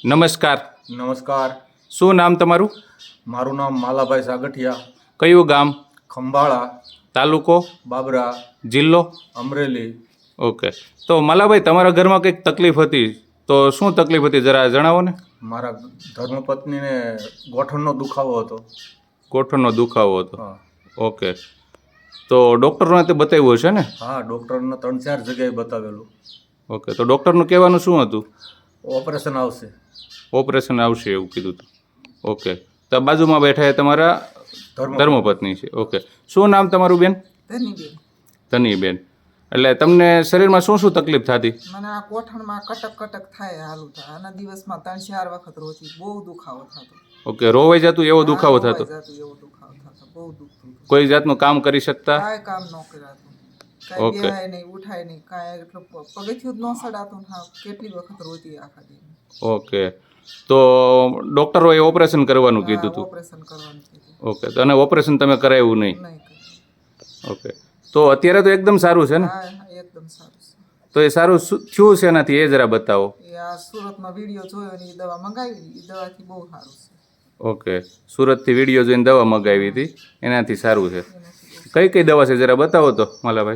નમસ્કાર. નમસ્કાર. શું નામ તમારું? મારું નામ માલાભાઈ સાગઠિયા, કયું ગામ? ખંભાળા, તાલુકો? બાબરા, જિલ્લો? અમરેલી. ઓકે. તો માલાભાઈ, તમારા ઘરમાં કંઈક તકલીફ હતી, તો શું તકલીફ હતી જરા જણાવો ને. મારા ધર્મપત્નીને ગોઠણનો દુખાવો હતો. ગોઠણનો દુખાવો હતો. હા ઓકે. તો ડૉક્ટરોને તે બતાવ્યું હશે ને? હા, ડૉક્ટરને 3-4 જગ્યાએ બતાવેલું. ઓકે. તો ડૉક્ટરનું કહેવાનું શું હતું? ઓપરેશન આવશે. ઓપરેશન આવશે એવું કીધું હતું. ઓકે. તો બાજુમાં બેઠા એ તમારા ધર્મપત્ની છે. ઓકે. શું નામ તમારું બેન? ધનીબેન. ધનીબેન. એટલે તમને શરીરમાં શું શું તકલીફ થતી? મને આ કોઠણમાં કટક કટક થાય હાલું થાય. આના દિવસમાં 3-4 વખત રોતી. બહુ દુખાવો થતો. ઓકે. રોવાઈ જતું એવો દુખાવો થતો? રોવાઈ જતું એવો દુખાવો થતો. બહુ દુખતું હતું. કોઈ જાતનું કામ કરી શકતા? કાંઈ કામ ન કરાતું. કાંઈ ઓકે. બેહાય નહીં, ઉઠાય નહીં, કાંઈ એટલું પગથિયું જ ન સડાતું. હા, કેટલી વખત રોતી આખા દી. ઓકે. તો ડૉક્ટરોએ ઓપરેશન કરવાનું કીધું હતું? ઓપરેશન કરવાનું કીધું. ઓકે. તો અને ઓપરેશન તમે કરાવ્યું નહીં? નહીં કર્યું. ઓકે. તો અત્યારે તો એકદમ સારું છે ને? હા, એકદમ સારું છે. તો એ સારું થયું છે એનાથી એ જરા બતાવો. એ આ સુરતમાં વિડીયો જોયો ને એ દવા મંગાવી, એ દવાથી બહુ સારું છે. ઓકે. સુરતથી વિડીયો જોઈને દવા મગાવી હતી, એનાથી સારું છે. એનાથી બહુ કઈ કઈ દવા છે જરા બતાવો તો માલાભાઈ.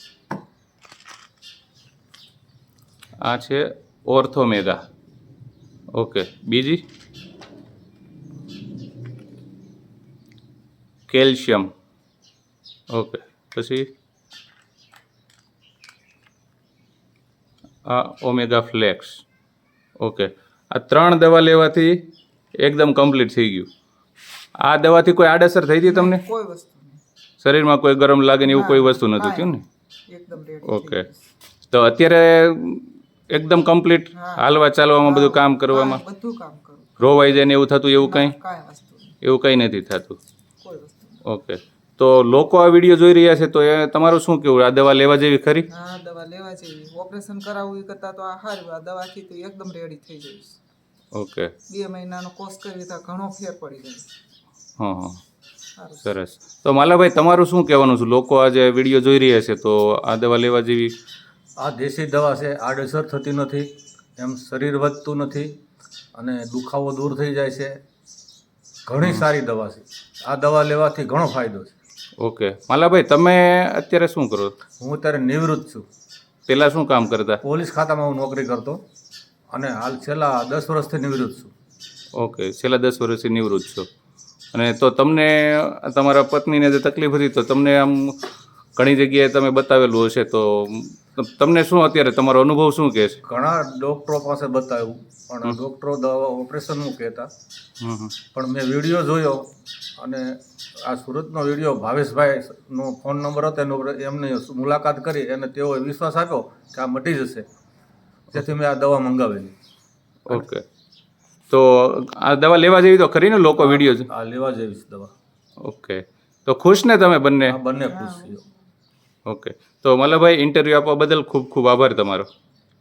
આ છે ઓર્થોમેગા. ઓકે. બીજી? કેલ્શિયમ. ઓકે. પછી આ ઓમેગા ફ્લેક્સ. ઓકે. આ 3 દવા લેવાથી એકદમ કમ્પ્લીટ થઈ ગયું. આ દવાથી કોઈ આડઅસર થઈ હતી તમને? કોઈ વસ્તુ નહીં. શરીરમાં કોઈ ગરમ લાગે ને એવું કોઈ વસ્તુ નહોતું થયું ને? એકદમ રેડી. ઓકે. તો અત્યારે એકદમ કમ્પ્લીટ હાલવા ચાલવામાં બધું કામ કરવામાં બધું કામ કરું. રોવાઈ જાય ને એવું થતું એવું કંઈ? કાંઈ વસ્તુ નહીં. એવું કંઈ નથી થતું. કોઈ વસ્તુ નહીં. ઓકે. તો લોકો આ વિડીયો જોઈ રહ્યા છે તો એ તમારું શું કહેવું? આ દવા લેવા જેવી ખરી? હા, દવા લેવા જેવી. ઓપરેશન કરાવવું એ કરતાં તો આ સારું. આ દવાથી તો એકદમ રેડી થઈ જઈશ. ઓકે. 2 મહિનાનો કોર્સ કરી તો ઘણો ફેર પડી જાય. હા હા, સારું. સરસ. તો માલાભાઈ, તમારું શું કહેવાનું છે? લોકો આજે વિડીયો જોઈ રહ્યા છે તો આ દવા લેવા જેવી? આ દેશી દવા છે, આડઅસર થતી નથી, એમ શરીર વધતું નથી અને દુખાવો દૂર થઈ જાય છે. ઘણી સારી દવા છે. આ દવા લેવાથી ઘણો ફાયદો છે. ઓકે. માલાભાઈ, તમે અત્યારે શું કરો? હું અત્યારે નિવૃત્ત છું. પહેલાં શું કામ કરતા? પોલીસ ખાતામાં હું નોકરી કરતો અને હાલ છેલ્લા 10 વર્ષથી નિવૃત્ત છું. ઓકે. છેલ્લા 10 વર્ષથી નિવૃત્ત છો. અને તો તમને તમારા પત્નીને જે તકલીફ હતી તો તમને આમ ઘણી જગ્યાએ તમે બતાવેલું હશે, તો તમને શું અત્યારે તમારો અનુભવ શું કહે છે? ઘણા ડૉક્ટરો પાસે બતાવ્યું પણ ડૉક્ટરો દવા ઓપરેશનનું કહેતા. પણ મેં વિડીયો જોયો અને આ સુરતનો વિડીયો, ભાવેશભાઈનો ફોન નંબર હતો એમને મુલાકાત કરી અને તેઓએ વિશ્વાસ આપ્યો કે આ મટી જશે, તેથી મેં આ દવા મંગાવેલી. ઓકે. તો આ દવા લેવા જેવી તો ખરી ને? લોકો વિડીયો છે. આ લેવા જેવી છે દવા. ઓકે. તો ખુશ ને તમે બંને? આ બંને ખુશ થયો. ઓકે. તો મલ્લભાઈ, ઇન્ટરવ્યૂ આપવા બદલ ખૂબ ખૂબ આભાર તમારો.